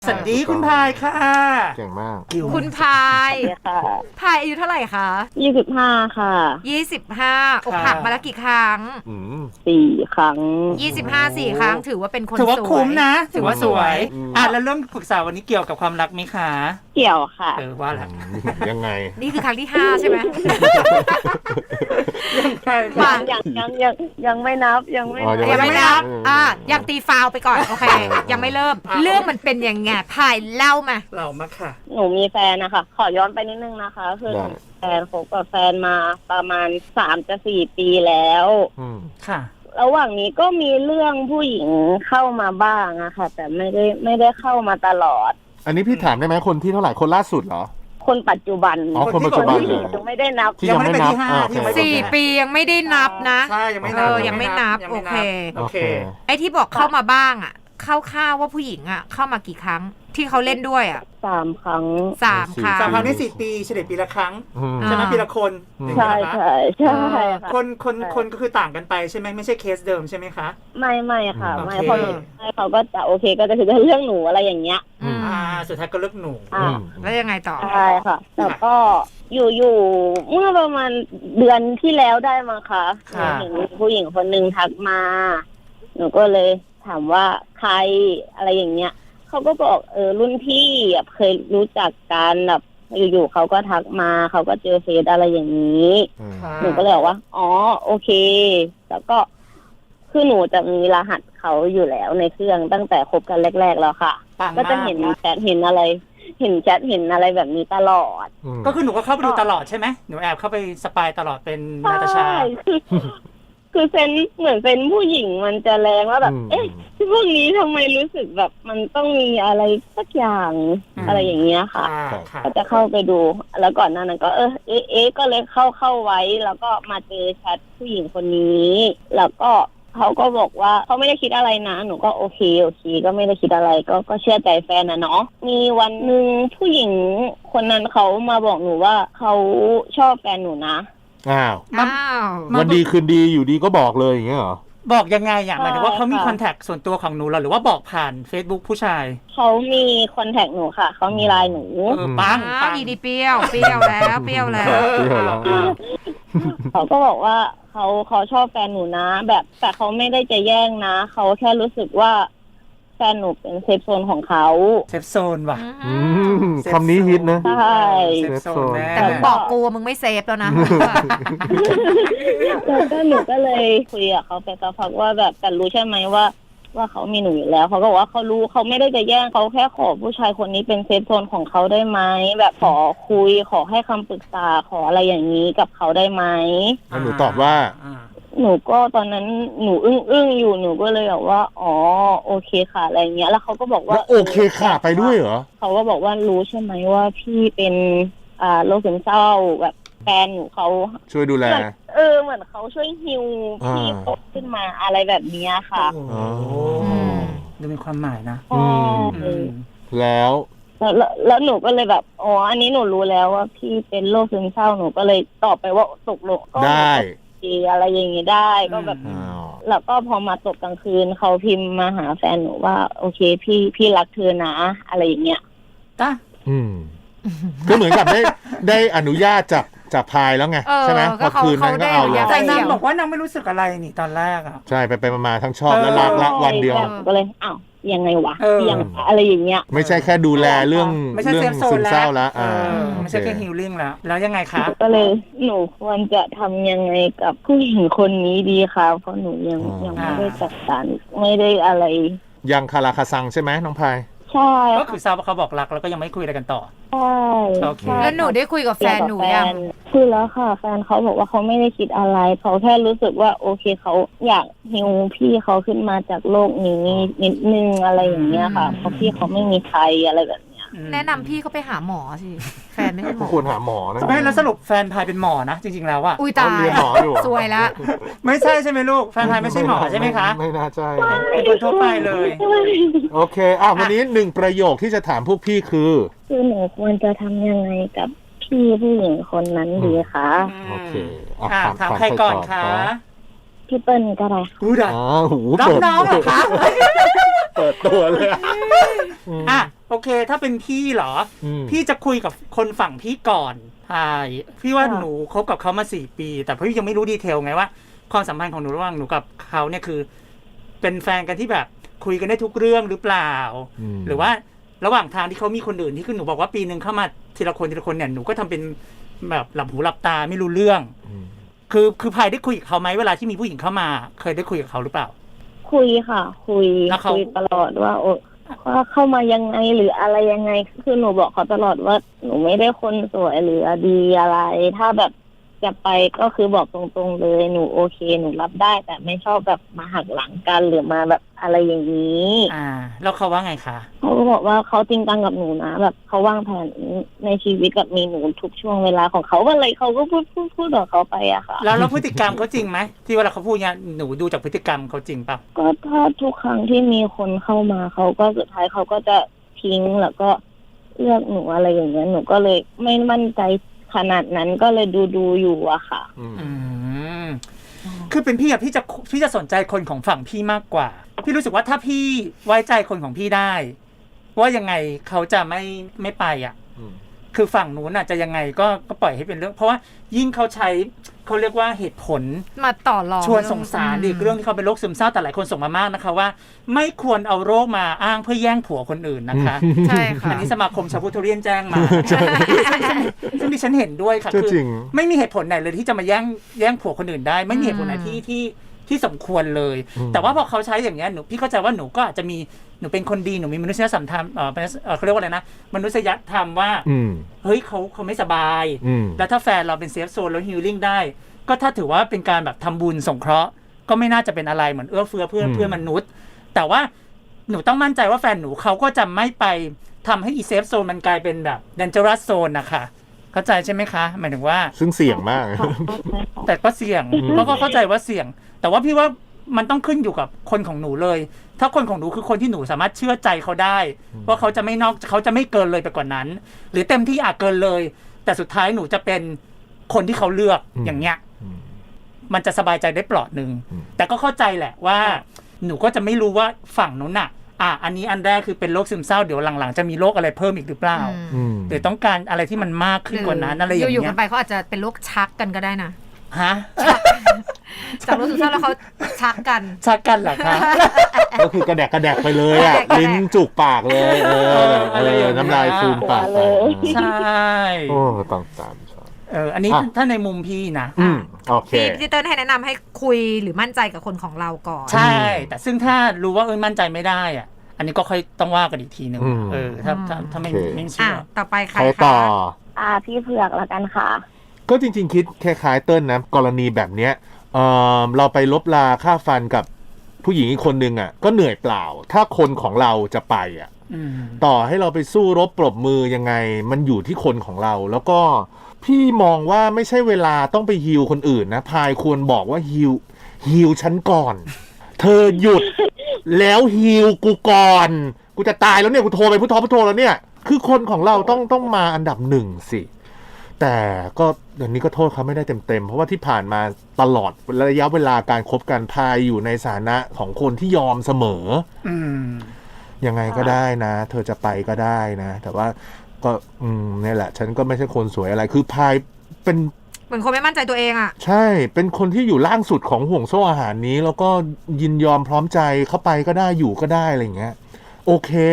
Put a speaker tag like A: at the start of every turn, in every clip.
A: สวัสดีคุณพายค่ะ
B: เก่งมาก
C: คุณพายพายอายุเท่าไหร่คะ
D: 25ค่ะ
C: 25อกหักมาแล้วกี่ครั้ง
D: 4 ครั้ง
C: 4 ครั้งถือว่าเป็นคนสวย
A: ถือว่าคุ้มนะถือว่าสวยแล้วเรื่องปรึกษาวันนี้เกี่ยวกับความรักไหมคะ
D: เกี่ยวค่ะ
A: ว่าแหละ
B: ยังไง
C: นี่คือครั้งที่5ใช่ไหม
D: ยังไม่นับยังไม่
C: นับยังตีฟาวไปก่อนโอเคยังไม่เริ่มเรื่องมันเป็นยังไงพายเล่ามา
D: ค่ะหนูมีแฟนนะคะขอย้อนไปนิดนึงนะคะคือแฟนคบกับแฟนมาประมาณ3-4 ปีแล้ว
A: ค่ะ
D: ระหว่างนี้ก็มีเรื่องผู้หญิงเข้ามาบ้างอะค่ะแต่ไม่ได้เข้ามาตลอด
B: อันนี้พี่ถามได้ไหมคนที่เท่าไหร่คนล่าสุดเหรอ
D: คนปัจจุบัน
B: คนปัจจุบันเลย
D: ยังไม่ได้นับ
B: ยังไม่ได้นับ
C: 4 ปียังไม่ได้นับนะ
A: ใช่ยังไม่นับ
C: โอเคไอ้ที่บอกเข้ามาบ้างอะเข้าว่าผู้หญิงอ่ะเข้ามากี่ครั้งที่เขาเล่นด้วยอ่ะ
D: 3 ครั้ง
C: 3 ครั้ง
A: ใน4 ปีเฉลี่ยปีละครั้งใช่ไหมปีละคน
D: ใช่
A: คนก็คือต่างกันไปใช่ไหมไม่ใช่เคสเดิมใช่ไหมคะ
D: ไม่ค่ะไม่เพราะเขาก็จะโอเคก็จะถือเรื่องหนูอะไรอย่างเงี้ย
A: สุดท้ายก็เลิกหนู
C: แล้วยังไงต่อ
D: ใช่ค่ะแต่ก็อยู่เมื่อประมาณเดือนที่แล้วได้มั้งคะเห็นผู้หญิงคนนึงทักมาหนูก็เลยถามว่าใครอะไรอย่างเงี้ยเขาก็บอกรุ่นพี่เคยรู้จักกันแบบอยู่ๆเขาก็ทักมาเขาก็เจอเฟซอะไรอย่างนี้หนูก็เลยบอกว่าอ๋อโอเคแล้วก็คือหนูจะมีรหัสเขาอยู่แล้วในเครื่องตั้งแต่คบกันแรกๆแล้วค่ะก็จะเห็นแชทเห็นอะไรเห็นแชทเห็นอะไรแบบนี้ตลอด
A: ก็คือหนูก็เข้าไปดูตลอดใช่ไหมหนูแอบเข้าไปสปายตลอดเป็นนาตาชา
D: คือเซนเหมือนเป็นผู้หญิงมันจะแรงว่าแบบที่พวกนี้ทำไมรู้สึกแบบมันต้องมีอะไรสักอย่างอะไรอย่างเงี้ยค่ะก็จะเข้าไปดูแล้วก่อนหน้านั้นก็ก็เลยเข้าไว้แล้วก็มาเจอแชทผู้หญิงคนนี้แล้วก็เขาก็บอกว่าเขาไม่ได้คิดอะไรนะหนูก็โอเคก็ไม่ได้คิดอะไรก็เชื่อใจแฟนนะเนาะมีวันนึงผู้หญิงคนนั้นเขามาบอกหนูว่าเขาชอบแฟนหนูนะ
B: มันดีคืนดีอยู่ดีก็บอกเลยอย่างเงี้ยเหรอ
A: บอกยังไงหมายถึงว่าเขามีคอนแทคส่วนตัวของหนูหรือว่าบอกผ่าน Facebook ผู้ชาย
D: เขามีคอนแทคหนูค่ะเขามีไลน์หนู
C: ปังอีดีเปรี้ยวแล้ว
D: เขาก็บอกว่าเขาชอบแฟนหนูนะแบบแต่เขาไม่ได้จะแย่งนะเขาแค่รู้สึกว่าแฟนหนูเป็นเซฟโซนของเขา
A: เซฟโซนว่ะ
B: คำนี้ฮิตนะ
D: ใช่
A: เซฟโซน
C: แต่มึงบอกกูมึงไม่เซฟแล้วนะ
D: แล้วก็หนูก็เลยคุยกับเขาไปสักพักว่าแบบแต่รู้ใช่ไหมว่าเขามีหนูอยู่แล้วเขาก็บอกว่าเขารู้เขาไม่ได้จะแย่งเขาแค่ขอผู้ชายคนนี้เป็นเซฟโซนของเขาได้ไหมแบบขอคุยขอให้คำปรึกษาขออะไรอย่างนี้กับเขาได้ไหม
B: หนูตอบว่า
D: หนูก็ตอนนั้นหนูอึ้งอยู่หนูก็เลยบอกว่าอ๋อโอเคค่ะอะไรเงี้ยแล้วเขาก็บอกว่า
B: โอเคค่ะไปด้วยเหรอ
D: เขาก็บอกว่ารู้ใช่ไหมว่าพี่เป็นโรคซึมเศร้าแบบแฟนหนูเขา
B: ช่วยดูแล
D: เหมือนเขาช่วยฮิวพี่เขาขึ้นมาอะไรแบบนี้ค่ะ
A: ดูมีความหมายนะ
B: แล้ว
D: หนูก็เลยแบบอ๋ออันนี้หนูรู้แล้วว่าพี่เป็นโรคซึมเศร้าหนูก็เลยตอบไปว่าตกลง
B: ได้
D: อะไรอย่างงี้ได้ก็แบบแล้วก็พอมาตกกลางคืนเขาพิมพ์มาหาแฟนหนูว่าโอเคพี่รักเธอนะอะไรอย่างเงี้ย
B: ก็เหมือนกับได้อนุญาตจากพายแล้วไงใช่ไหมพอคืนนั้นก็เอาเลย
A: แต่นางบอกว่านางไม่รู้สึกอะไรนี่ตอนแรกอ่ะ
B: ใช่ไปมาทั้งชอบและรักละวันเดียว
D: ก็เลยอ้าวยังไงวะยังอะไรอย่างเงี้ย
B: ไม่ใช่แค่ดูแลเรื่องซึมเศร้าแล้ว
A: ไม่ใช่แค่ฮีลลิ่งแล้วยังไงคะ
D: ก็เลยหนูควรจะทำยังไงกับผู้หญิงคนนี้ดีคะเพราะหนูยังไม่ได้จัดการไม่ได้อะไร
B: ยังคาราคาซังใช่ไหมน้องพาย
D: ใช่
A: ก็คือทราบว่าเขาบอกรักแล้วก็ยังไม่คุยอะไรกันต่อ
D: ใช่
C: แล้วหนูได้คุยกับแฟนหนูยัง
D: คุยแล้วค่ะแฟนเขาบอกว่าเขาไม่ได้คิดอะไรเขาแค่รู้สึกว่าโอเคเขาอยากฮิวพี่เขาขึ้นมาจากโลกนี้นิดนึงอะไรอย่างเงี้ยค่ะเพราะพี่เขาไม่มีใครอะไรแบบเนี้ย
C: แนะนำพี่เขาไปหาหมอสิแฟนไม่ใช่หมอ
B: ควรหาหมอนะ
A: ไม่แล้วสรุปแฟนพายเป็นหมอนะจริงๆแล้วอะ
C: อุ้ยตายสวยละ
A: ไม่ใช่ใช่ไหมลูกแฟนพายไม่ใช่หมอใช่ไหมคะ
B: ไม่น่าใช่
A: เป็นคนทั่วไปเลย
B: โอเควันนี้1ประโยคที่จะถามพวกพี่คือ
D: หนูควรจะทำยังไงกับพี่ผู้หญิงคนนั้นดีคะ
B: โอเค
A: ถามใครก่อนคะ
D: พี่เปิ้ลก็ได้
A: รับน้องเหรอคะ
B: เปิดตัวเลยอะ
A: อ่ะโอเค ถ้าเป็นพี่เหรอ พี่จะคุยกับคนฝั่งพี่ก่อนใช่พี่ว่าหนูคบกับเขามา4 ปี แต่พี่ยังไม่รู้ดีเทลไงว่าความสัมพันธ์ของหนูระหว่างหนูกับเขาเนี่ยคือ เป็นแฟนกันที่แบบคุยกันได้ทุกเรื่องหรือเปล่า หรือว่าระหว่างทางที่เขามีคนอื่นที่คือหนูบอกว่าปีนึงเข้ามาทีละคนเนี่ยหนูก็ทำเป็นแบบหลับหูหลับตาไม่รู้เรื่องคือพายได้คุยกับเขาไหมเวลาที่มีผู้หญิงเข้ามาเคยได้คุยกับเขาหรือเปล่า
D: คุยค่ะคุยตลอดว่าว่าเข้ามายังไงหรืออะไรยังไงคือหนูบอกเขาตลอดว่าหนูไม่ได้คนสวยหรือดีอะไรถ้าแบบจะไปก็คือบอกตรงๆเลยหนูโอเคหนูรับได้แต่ไม่ชอบแบบมาหักหลังกันหรือมาแบบอะไรอย่างนี้
A: แล้วเขาว่าไงคะ
D: เขาก็บอกว่าเขาจริงจังกับหนูนะแบบเขาวางแผนในชีวิตกับมีหนูทุกช่วงเวลาของเขาอะไรเขาก็พูดของเขาไปอะค่ะ
A: แล้วพฤติกรรมเขาจริงไหมที่เวลาเขาพูดเนี่ยหนูดูจากพฤติกรรมเขาจริงป่ะ
D: ก็ถ้าทุกครั้งที่มีคนเข้ามาเขาก็สุดท้ายเขาก็จะทิ้งแล้วก็เลือกหนูอะไรอย่างเงี้ยหนูก็เลยไม่มั่นใจขนาดนั้นก็เลยดูอยู่อะค่ะ
A: คือเป็นพี่อะพี่จะสนใจคนของฝั่งพี่มากกว่าพี่รู้สึกว่าถ้าพี่ไว้ใจคนของพี่ได้ว่ายังไงเขาจะไม่ไปอ่ะคือฝั่งนู้นอ่ะจะยังไงก็ปล่อยให้เป็นเรื่องเพราะว่ายิ่งเขาใช้เขาเรียกว่าเหตุผล
C: มาต่อรอง
A: ชวนสงสารอีกเรื่องที่เขาเป็นโรคซึมเศร้าแต่หลายคนส่งมามากนะคะว่าไม่ควรเอาโรคมาอ้างเพื่อแย่งผัวคนอื่นนะคะ
C: ใช่ค่ะ
A: อันนี้สมาคมชาวพุทธเรียนแจ้งมาซึ่งดิฉันเห็นด้วยค่ะคือไม่มีเหตุผลไหนเลยที่จะมาแย่งผัวคนอื่นได้ไม่มีเหตุผลไหนที่สมควรเลยแต่ว่าพอเขาใช้อย่างเงี้ยพี่เข้าใจว่าหนูก็อาจจะมีหนูเป็นคนดีหนูมีมนุษยธรรมเขาเรียกว่าอะไรนะมนุษยธรรมว่าเฮ้ยเขาไม่สบายแล้วถ้าแฟนเราเป็นเซฟโซนแล้วฮีลลิ่งได้ก็ถ้าถือว่าเป็นการแบบทำบุญสงเคราะห์ก็ไม่น่าจะเป็นอะไรเหมือนเอื้อเฟื้อเพื่อนมนุษย์แต่ว่าหนูต้องมั่นใจว่าแฟนหนูเขาก็จะไม่ไปทำให้อีเซฟโซนมันกลายเป็นแบบเดนเจอรัสโซนนะคะเข้าใจใช่ไหมคะหมายถึงว่า
B: ซึ่งเสี่ยงมาก
A: แต่ก็เสี่ยงก็เข้าใจว่าเสี่ยงแต่ว่าพี่ว่ามันต้องขึ้นอยู่กับคนของหนูเลยถ้าคนของหนูคือคนที่หนูสามารถเชื่อใจเขาได้ว่าเขาจะไม่เขาจะไม่เกินเลยไปกว่านั้นหรือเต็มที่อาจเกินเลยแต่สุดท้ายหนูจะเป็นคนที่เขาเลือกอย่างเงี้ยมันจะสบายใจได้เปลาะนึงแต่ก็เข้าใจแหละว่าหนูก็จะไม่รู้ว่าฝั่งนู้นน่ะอันนี้อันแรกคือเป็นโรคซึมเศร้าเดี๋ยวหลังๆจะมีโรคอะไรเพิ่มอีกหรือเปล่าหรือต้องการอะไรที่มันมากขึ้นกว่านั้นอะไรอย่างเงี้ย
C: อยู่ๆกันไปเขาอาจจะเป็นโรคชักกันก็ได้นะ
A: ฮะ
C: จากโรคซึมเศร้าแล้วเขาชักกัน
A: เหรอคะ
B: ก็คือกระแดกไปเลยอ่ะลิ้นจุกปากเลยน้ำลายฟูมปากเลย
A: ใช่
B: โอ้ต้องตาม
A: อันนี้ถ้าในมุมพี่นะ
B: โอเค
C: พี่เติ้ลให้แนะนำให้คุยหรือมั่นใจกับคนของเราก่อน
A: ใช่แต่ซึ่งถ้ารู้ว่ามั่นใจไม่ได้อ่ะอันนี้ก็ค่อยต้องว่ากันอีกทีนึงถ้าไม่เชื่อ
C: ต่อไปใคร
B: ต่อ
D: พี่เผือกละกันค่ะ
B: ก็จริงๆคิดคล้ายๆเติ้ลนะกรณีแบบเนี้ยเราไปลบลาค่าฟันกับผู้หญิงอีกคนนึงอ่ะก็เหนื่อยเปล่าถ้าคนของเราจะไปอ่ะต่อให้เราไปสู้รบปรบมือยังไงมันอยู่ที่คนของเราแล้วก็พี่มองว่าไม่ใช่เวลาต้องไปฮีลคนอื่นนะพายควรบอกว่าฮีลฉันก่อนเธอหยุดแล้วฮีลกูก่อนกูจะตายแล้วเนี่ยกูโทรไปพุทโธแล้วเนี่ยคือคนของเราต้องมาอันดับหนึ่งสิแต่ก็เดี๋ยวนี้ก็โทษเขาไม่ได้เต็มเพราะว่าที่ผ่านมาตลอดระยะเวลาการคบกันพายอยู่ในฐานะของคนที่ยอมเสมอยังไงก็ได้นะเธอจะไปก็ได้นะแต่ว่าก็นี่แหละฉันก็ไม่ใช่คนสวยอะไรคือพายเป็น
C: เหมือนคนไม่มั่นใจตัวเองอ่ะ
B: ใช่เป็นคนที่อยู่ล่างสุดของห่วงโซ่อาหารนี้แล้วก็ยินยอมพร้อมใจเข้าไปก็ได้อยู่ก็ได้อะไรอย่างเงี้ยโอเค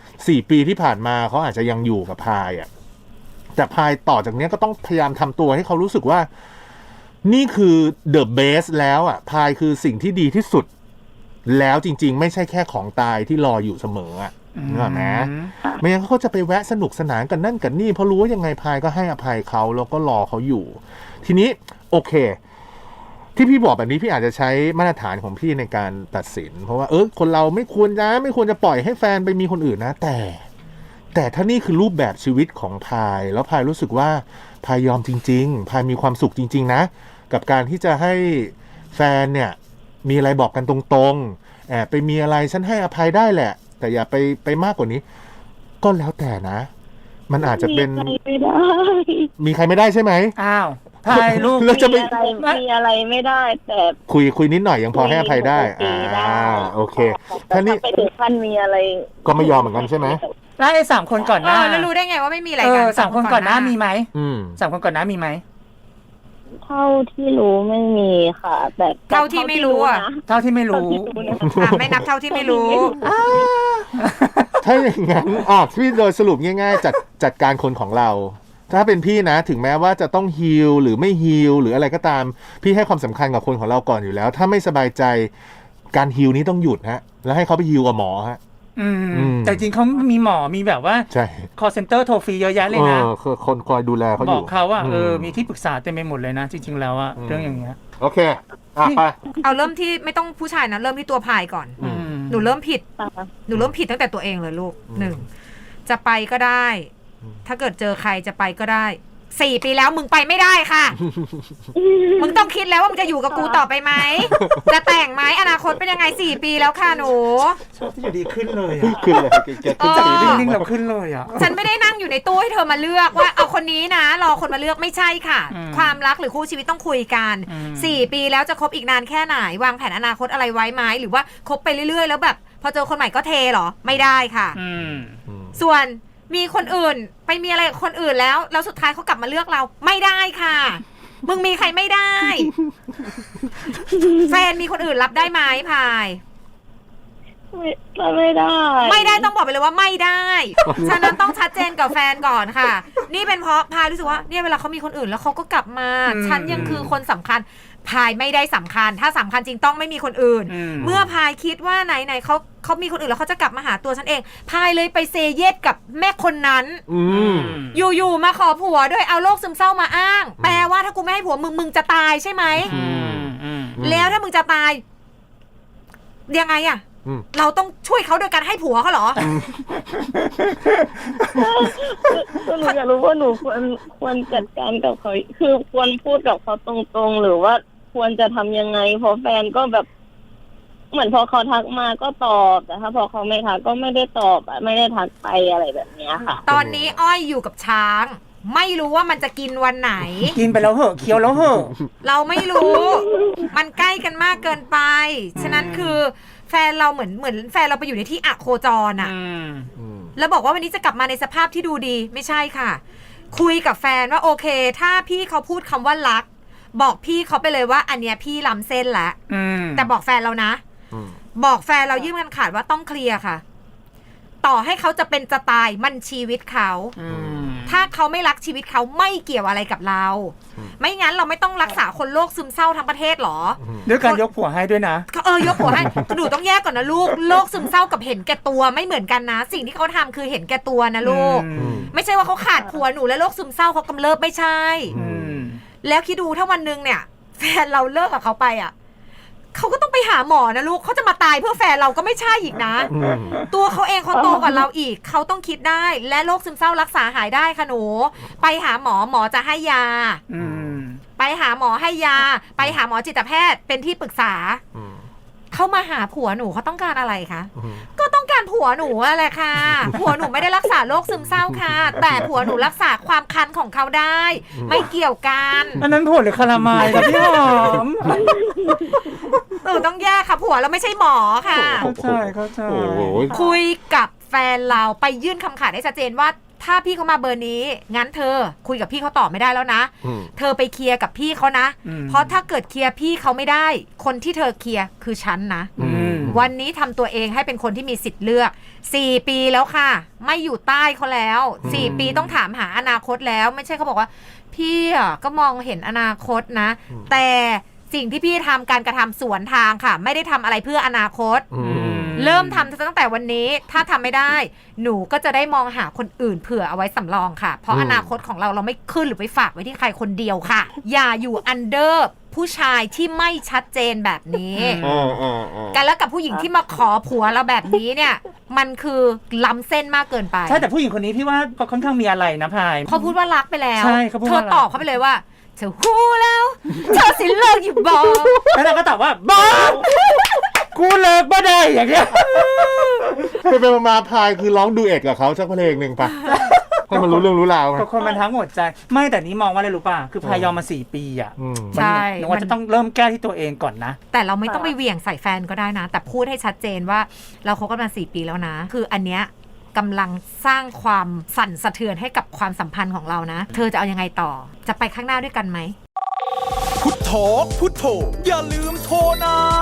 B: 4 ปีที่ผ่านมาเขาอาจจะยังอยู่กับพายอ่ะแต่พายต่อจากนี้ก็ต้องพยายามทำตัวให้เขารู้สึกว่านี่คือเดอะเบสแล้วอ่ะพายคือสิ่งที่ดีที่สุดแล้วจริงๆไม่ใช่แค่ของตายที่รออยู่เสมออ่ะนึกออกไหมไม่งั้นเขาจะไปแวะสนุกสนานกันนั่นกันนี่เพราะรู้ว่ายังไงพายก็ให้อภัยเขาแล้วก็รอเขาอยู่ทีนี้โอเคที่พี่บอกแบบนี้พี่อาจจะใช้มาตรฐานของพี่ในการตัดสินเพราะว่าคนเราไม่ควรจะปล่อยให้แฟนไปมีคนอื่นนะแต่ถ้านี่คือรูปแบบชีวิตของพายแล้วพายรู้สึกว่าพายยอมจริงๆพายมีความสุขจริงๆนะกับการที่จะให้แฟนเนี่ยมีอะไรบอกกันตรงๆไปมีอะไรฉันให้อภัยได้แหละแต่อย่าไปมากกว่านี้ก็แล้วแต่นะมันอาจจะเป็นมีใครไม่ได้ใช่ไหม
A: อ้าวพายลูก
B: แล้วจะไป
D: มีอะไรไม่ได้ แต่
B: คุยนิดหน่อยยังพอให้อภัยได้โอเค
D: ถ้า
B: นี้
D: ไปถึงขั้นมีอะไร
B: ก็ไม่ยอมเหมือนกันใช่ไหม
A: แล้วไอ้3 คนก่อนหน้า
C: แล้วรู้ได้ไงว่าไม่มีอะไรกัน
A: 3 คนก่อนหน้ามีไหม
B: 3
A: คนก่อนหน้ามีไหม
D: เท่าที่รู้ไม่มีค่ะแต่
C: เท่าที่ไม่รู้อ่ะ
A: เท่าที่ไม่รู้
C: ไม่นับเท่าที่ไม่รู้
B: ถ้าอย่างนั้นพี่โดยสรุปง่ายๆจัดการคนของเรา ถ้าเป็นพี่นะถึงแม้ว่าจะต้องฮีลหรือไม่ฮีลหรืออะไรก็ตาม พี่ให้ความสำคัญกับคนของเราก่อนอยู่แล้ว ถ้าไม่สบายใจการฮีลนี้ต้องหยุดฮะแล้วให้เขาไปฮีลกับหมอฮะ
A: แต่จริงเขามีหมอมีแบบว่า
B: ใช่
A: call center โทรฟรีเยอะแยะเลยนะ
B: คือคนคอยดูแลเขาอบ
A: อยู่ กเขาว่ามีที่ปรึกษาเต็มไปหมดเลยนะจริงๆแล้วอะเรื่องอย่างเงี้ย
B: โอเคไป
C: เอาเริ่มที่ไม่ต้องผู้ชายนะเริ่มที่ตัวพายก่อนหนูเริ่มผิดตั้งแต่ตัวเองเลยลูก1จะไปก็ได้ ถ้าเกิดเจอใครจะไปก็ได้4 ปีแล้วมึงไปไม่ได้ค่ะ มึงต้องคิดแล้วว่ามึงจะอยู่กับกูต่อไปไหม จะแต่งไหมอนาคตเป็นยังไง4 ปีแล้วค่ะหนู
A: ชอบที่อยู่ดีขึ้นเลย
B: ขึ้นเลย
A: ขึ้นจากนิ่งๆเราขึ้นเลยอ่ะ
C: ฉันไม่ได้นั่งอยู่ในตู้ให้เธอมาเลือกว่าเอาคนนี้นะรอคนมาเลือกไม่ใช่ค่ะความรักหรือคู่ชีวิตต้องคุยกัน4 ปีแล้วจะคบอีกนานแค่ไหนวางแผนอนาคตอะไรไว้ไหมหรือว่าคบไปเรื่อยๆแล้วแบบพอเจอคนใหม่ก็เทเหรอไม่ได้ค่ะส่วนมีคนอื่นไปมีอะไรกับคนอื่นแล้วสุดท้ายเขากลับมาเลือกเราไม่ได้ค่ะมึงมีใครไม่ได้ แฟนมีคนอื่นรับได้ไหมพาย
D: ไม่ได้
C: ต้องบอกไปเลยว่าไม่ได้ฉะนั้นต้องชัดเจนกับแฟนก่อนค่ะนี่เป็นเพราะพายรู้สึกว่าเนี่ยเวลาเขามีคนอื่นแล้วเขาก็กลับมาฉันยังคือคนสำคัญพายไม่ได้สำคัญถ้าสำคัญจริงต้องไม่มีคนอื่นเมื่อพายคิดว่าไหนเขามีคนอื่นแล้วเขาจะกลับมาหาตัวฉันเองพายเลยไปเซเยสกับแม่คนนั้นอยู่มาขอผัวด้วยเอาโรคซึมเศร้ามาอ้างแปลว่าถ้ากูไม่ให้ผัวมึงจะตายใช่ไหมแล้วถ้ามึงจะตายยังไงอะเราต้องช่วยเขาโดยการให้ผัวเขาเหรอ
D: หนูอยากรู้ว่าหนูควรจัดการกับเขาคือควรพูดกับเขาตรงๆหรือว่าควรจะทำยังไงเพราะแฟนก็แบบเหมือนพอเขาทักมาก็ตอบแต่ถ้าพอเขาไม่ทักก็ไม่ได้ตอบไม่ได้ทักไปอะไรแบบนี้ค่ะ
C: ตอนนี้อ้อยอยู่กับช้างไม่รู้ว่ามันจะกินวันไหน
A: กินไปแล้วเหอะเคี้ยวแล้วเหอะ
C: เราไม่รู้มันใกล้กันมากเกินไปฉะนั้นคือแฟนเราเหมือนแฟนเราไปอยู่ในที่อโคจรอ่ะแล้วบอกว่าวันนี้จะกลับมาในสภาพที่ดูดีไม่ใช่ค่ะคุยกับแฟนว่าโอเคถ้าพี่เขาพูดคำว่ารักบอกพี่เขาไปเลยว่าอันเนี้ยพี่ล้ำเส้นแล้วแต่บอกแฟนเรานะบอกแฟนเรายื่นกันขาดว่าต้องเคลียร์ค่ะต่อให้เขาจะเป็นจะตายมันชีวิตเขาถ้าเขาไม่รักชีวิตเขาไม่เกี่ยวอะไรกับเราไม่งั้นเราไม่ต้องรักษาคนโรคซึมเศร้าทั้งประเทศหรอ
A: ด้วยการยกผัวให้ด้วยนะ
C: ยกผัวให้หนูต้องแยกก่อนนะลูกโรคซึมเศร้ากับเห็นแก่ตัวไม่เหมือนกันนะสิ่งที่เขาทำคือเห็นแก่ตัวนะลูกไม่ใช่ว่าเขาขาดผัวหนูแล้วโรคซึมเศร้าเขากำเริบไม่ใช่แล้วคิดดูถ้าวันนึงเนี่ยแฟนเราเลิกกับเขาไปอ่ะเขาก็ต้องไปหาหมอนะลูกเขาจะมาตายเพื่อแฟนเราก็ไม่ใช่อีกนะตัวเขาเองเขาโตกว่าเราอีกเขาต้องคิดได้และโรคซึมเศร้ารักษาหายได้ค่ะหนูไปหาหมอจะให้ยาไปหาหมอให้ยาไปหาหมอจิตแพทย์เป็นที่ปรึกษาเขามาหาผัวหนูเขาต้องการอะไรคะก็ต้องการผัวหนูอะไรค่ะผัวหนูไม่ได้รักษาโรคซึมเศร้าค่ะแต่ผัวหนูรักษาความคันของเขาได้ไม่เกี่ยวกัน
A: อันนั้นผัวหรือคาราไมล์ครับพี่หอม
C: ต้องแยกค่ะผัวเราไม่ใช่หมอค่ะ
A: เข้าใจ
C: คุยกับแฟนเราไปยื่นคำขาดให้ชัดเจนว่าถ้าพี่เขามาเบอร์นี้งั้นเธอคุยกับพี่เขาต่อไม่ได้แล้วนะเธอไปเคลียร์กับพี่เขานะเพราะถ้าเกิดเคลียร์พี่เขาไม่ได้คนที่เธอเคลียร์คือฉันนะวันนี้ทำตัวเองให้เป็นคนที่มีสิทธิ์เลือก4 ปีแล้วค่ะไม่อยู่ใต้เขาแล้ว4 ปีต้องถามหาอนาคตแล้วไม่ใช่เขาบอกว่าพี่ก็มองเห็นอนาคตนะแต่สิ่งที่พี่ทำการกระทำสวนทางค่ะไม่ได้ทำอะไรเพื่ออนาคตเริ่มทำตั้งแต่วันนี้ถ้าทำไม่ได้หนูก็จะได้มองหาคนอื่นเผื่อเอาไว้สำรองค่ะเพราะอนาคตของเราไม่ขึ้นหรือไปฝากไว้ที่ใครคนเดียวค่ะอย่าอยู่อันเดอร์ผู้ชายที่ไม่ชัดเจนแบบนี้กันแล้วกับผู้หญิงที่มาขอผัวเราแบบนี้เนี่ยมันคือล้ำเส้นมากเกินไป
A: ใช่แต่ผู้หญิงคนนี้พี่ว่าเขาค่อนข้างมีอะไรนะพาย
C: เขาพูดว่ารักไปแล้วเธอตอบเขาไปเลยว่าเธอฮู้แล้วเธอสิเลิกอยู่บอก
A: แล้วเราก็ตอบว่าบอกกูเลิกบ่ได้อย่างเงี้ย
B: ไปมาพายคือร้องดูเอ็ดกับเขาสักเพลงหนึ่งปะให้มันรู้เรื่องรู้ราวไง
A: ก็คนมันทั้งหมดใจไม่แต่นี้มองว่าอะไรรู้ป่ะคือพายอมมา4 ปีอ่ะ
C: ใช่
A: หนูว่าจะต้องเริ่มแก้ที่ตัวเองก่อนนะ
C: แต่เราไม่ต้องไปเหวี่ยงใส่แฟนก็ได้นะ แต่พูดให้ชัดเจนว่าเราคบกันมา4 ปีแล้วนะ คืออันเนี้ยกำลังสร้างความสั่นสะเทือนให้กับความสัมพันธ์ของเรานะ เธอจะเอายังไงต่อจะไปข้างหน้าด้วยกันไหม
E: พุทโธพุทโธอย่าลืมโทรนะ